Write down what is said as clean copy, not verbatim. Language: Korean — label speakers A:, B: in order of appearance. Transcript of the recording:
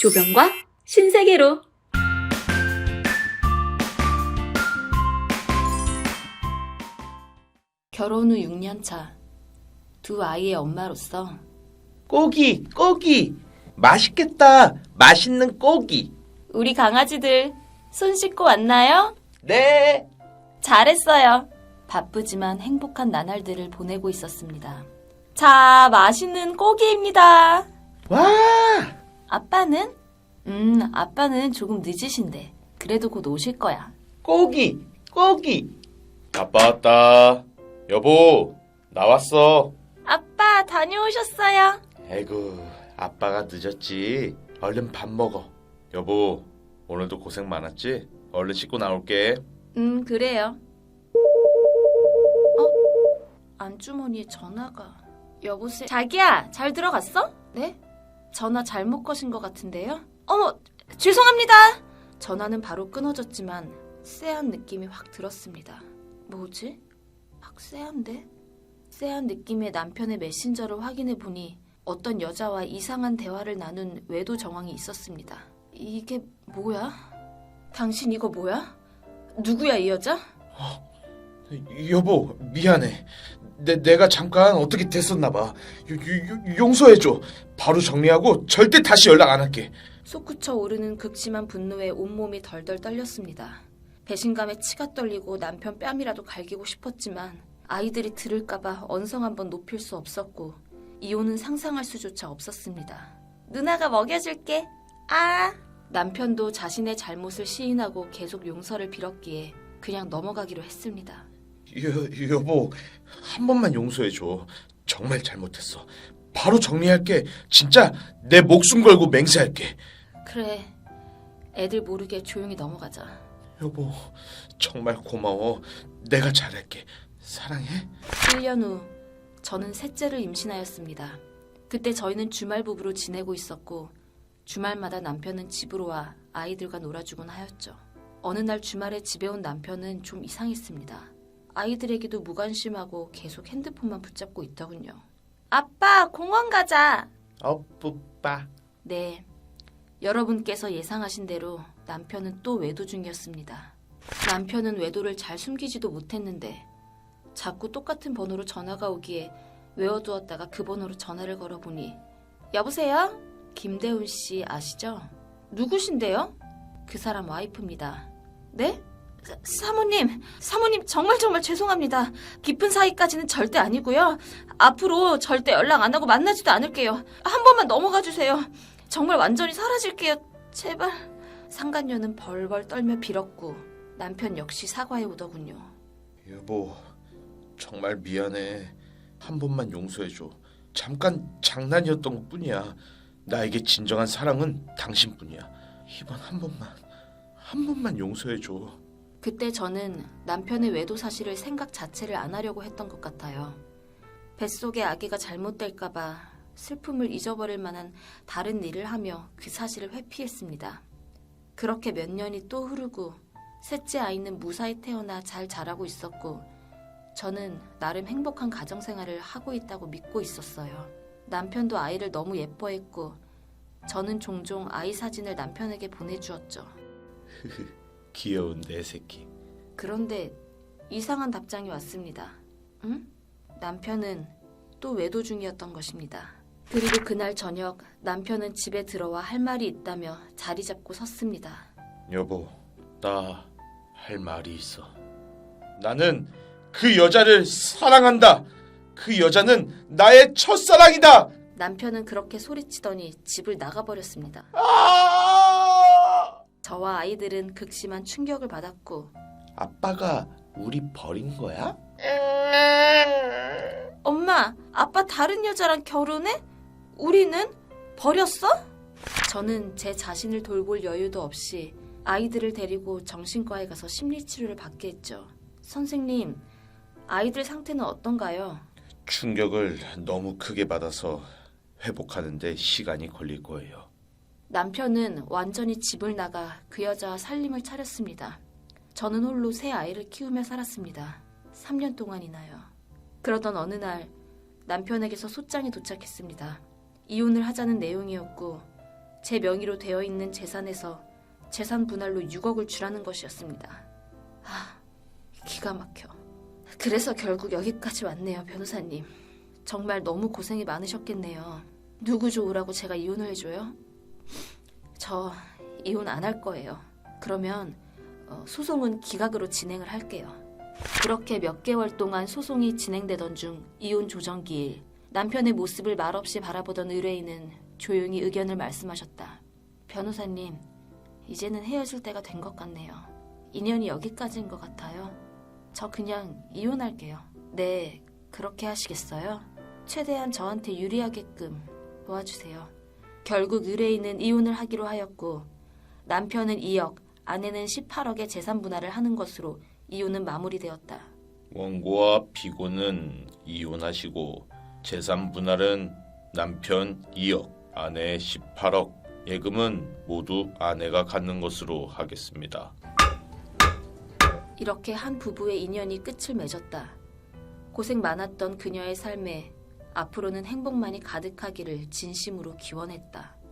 A: 조병과 신세계로. 결혼 후 6년 차. 두 아이의 엄마로서
B: 고기, 고기. 맛있겠다. 맛있는 고기.
A: 우리 강아지들 손 씻고 왔나요?
B: 네.
A: 잘했어요. 바쁘지만 행복한 나날들을 보내고 있었습니다. 자, 맛있는 고기입니다.
B: 와.
A: 아빠는? 아빠는 조금 늦으신데 그래도 곧 오실 거야.
B: 고기, 고기. 아빠 왔다. 여보, 나왔어.
A: 아빠 다녀오셨어요?
B: 아이고, 아빠가 늦었지. 얼른 밥 먹어. 여보, 오늘도 고생 많았지? 얼른 씻고 나올게.
A: 그래요. 안주머니에 전화가. 여보세요? 자기야, 잘 들어갔어? 네? 전화 잘못 거신 것 같은데요? 어머, 죄송합니다. 전화는 바로 끊어졌지만 쎄한 느낌이 확 들었습니다. 뭐지? 확 쎄한데? 쎄한 느낌의 남편의 메신저를 확인해 보니 어떤 여자와 이상한 대화를 나눈 외도 정황이 있었습니다. 이게 뭐야? 당신 이거 뭐야? 누구야 이 여자?
B: 여보, 미안해. 내가 잠깐 어떻게 됐었나 봐. 용서해줘. 바로 정리하고 절대 다시 연락 안 할게.
A: 솟구쳐 오르는 극심한 분노에 온몸이 덜덜 떨렸습니다. 배신감에 치가 떨리고 남편 뺨이라도 갈기고 싶었지만 아이들이 들을까봐 언성 한번 높일 수 없었고 이혼은 상상할 수조차 없었습니다. 누나가 먹여줄게. 남편도 자신의 잘못을 시인하고 계속 용서를 빌었기에 그냥 넘어가기로 했습니다.
B: 여보, 한 번만 용서해줘. 정말 잘못했어. 바로 정리할게. 진짜 내 목숨 걸고 맹세할게.
A: 그래, 애들 모르게 조용히 넘어가자.
B: 여보, 정말 고마워. 내가 잘할게. 사랑해.
A: 1년 후 저는 셋째를 임신하였습니다. 그때 저희는 주말 부부로 지내고 있었고 주말마다 남편은 집으로 와 아이들과 놀아주곤 하였죠. 어느 날 주말에 집에 온 남편은 좀 이상했습니다. 아이들에게도 무관심하고 계속 핸드폰만 붙잡고 있더군요. 아빠, 공원 가자.
B: 뿌빠.
A: 네, 여러분께서 예상하신 대로 남편은 또 외도 중이었습니다. 남편은 외도를 잘 숨기지도 못했는데 자꾸 똑같은 번호로 전화가 오기에 외워두었다가 그 번호로 전화를 걸어보니 여보세요? 김대훈 씨 아시죠? 누구신데요? 그 사람 와이프입니다. 네? 사모님 정말 죄송합니다. 깊은 사이까지는 절대 아니고요. 앞으로 절대 연락 안 하고 만나지도 않을게요. 한 번만 넘어가 주세요. 정말 완전히 사라질게요. 제발. 상간녀는 벌벌 떨며 빌었고 남편 역시 사과해 오더군요.
B: 여보, 정말 미안해. 한 번만 용서해줘. 잠깐 장난이었던 것뿐이야. 나에게 진정한 사랑은 당신뿐이야. 이번 한 번만 용서해줘.
A: 그때 저는 남편의 외도 사실을 생각 자체를 안 하려고 했던 것 같아요. 뱃속의 아기가 잘못될까봐 슬픔을 잊어버릴 만한 다른 일을 하며 그 사실을 회피했습니다. 그렇게 몇 년이 또 흐르고 셋째 아이는 무사히 태어나 잘 자라고 있었고 저는 나름 행복한 가정생활을 하고 있다고 믿고 있었어요. 남편도 아이를 너무 예뻐했고 저는 종종 아이 사진을 남편에게 보내주었죠.
B: 귀여운 내 새끼.
A: 그런데 이상한 답장이 왔습니다. 응? 남편은 또 외도 중이었던 것입니다. 그리고 그날 저녁 남편은 집에 들어와 할 말이 있다며 자리 잡고 섰습니다.
B: 여보, 나 할 말이 있어. 나는 그 여자를 사랑한다. 그 여자는 나의 첫사랑이다.
A: 남편은 그렇게 소리치더니 집을 나가버렸습니다. 저와 아이들은 극심한 충격을 받았고
B: 아빠가 우리 버린 거야?
A: 엄마, 아빠 다른 여자랑 결혼해? 우리는? 버렸어? 저는 제 자신을 돌볼 여유도 없이 아이들을 데리고 정신과에 가서 심리치료를 받게 했죠. 선생님, 아이들 상태는 어떤가요?
B: 충격을 너무 크게 받아서 회복하는데 시간이 걸릴 거예요.
A: 남편은 완전히 집을 나가 그 여자와 살림을 차렸습니다. 저는 홀로 새 아이를 키우며 살았습니다. 3년 동안이나요. 그러던 어느 날 남편에게서 소장이 도착했습니다. 이혼을 하자는 내용이었고 제 명의로 되어 있는 재산에서 재산 분할로 6억을 주라는 것이었습니다. 기가 막혀. 그래서 결국 여기까지 왔네요, 변호사님. 정말 너무 고생이 많으셨겠네요. 누구 좋으라고 제가 이혼을 해줘요? 저 이혼 안 할 거예요. 그러면 소송은 기각으로 진행을 할게요. 그렇게 몇 개월 동안 소송이 진행되던 중 이혼 조정기일, 남편의 모습을 말없이 바라보던 의뢰인은 조용히 의견을 말씀하셨다. 변호사님, 이제는 헤어질 때가 된 것 같네요. 인연이 여기까지인 것 같아요. 저 그냥 이혼할게요. 네, 그렇게 하시겠어요? 최대한 저한테 유리하게끔 도와주세요. 결국 의뢰인은 이혼을 하기로 하였고 남편은 2억, 아내는 18억의 재산 분할을 하는 것으로 이혼은 마무리되었다.
B: 원고와 피고는 이혼하시고 재산 분할은 남편 2억, 아내 18억, 예금은 모두 아내가 갖는 것으로 하겠습니다.
A: 이렇게 한 부부의 인연이 끝을 맺었다. 고생 많았던 그녀의 삶에 앞으로는 행복만이 가득하기를 진심으로 기원했다.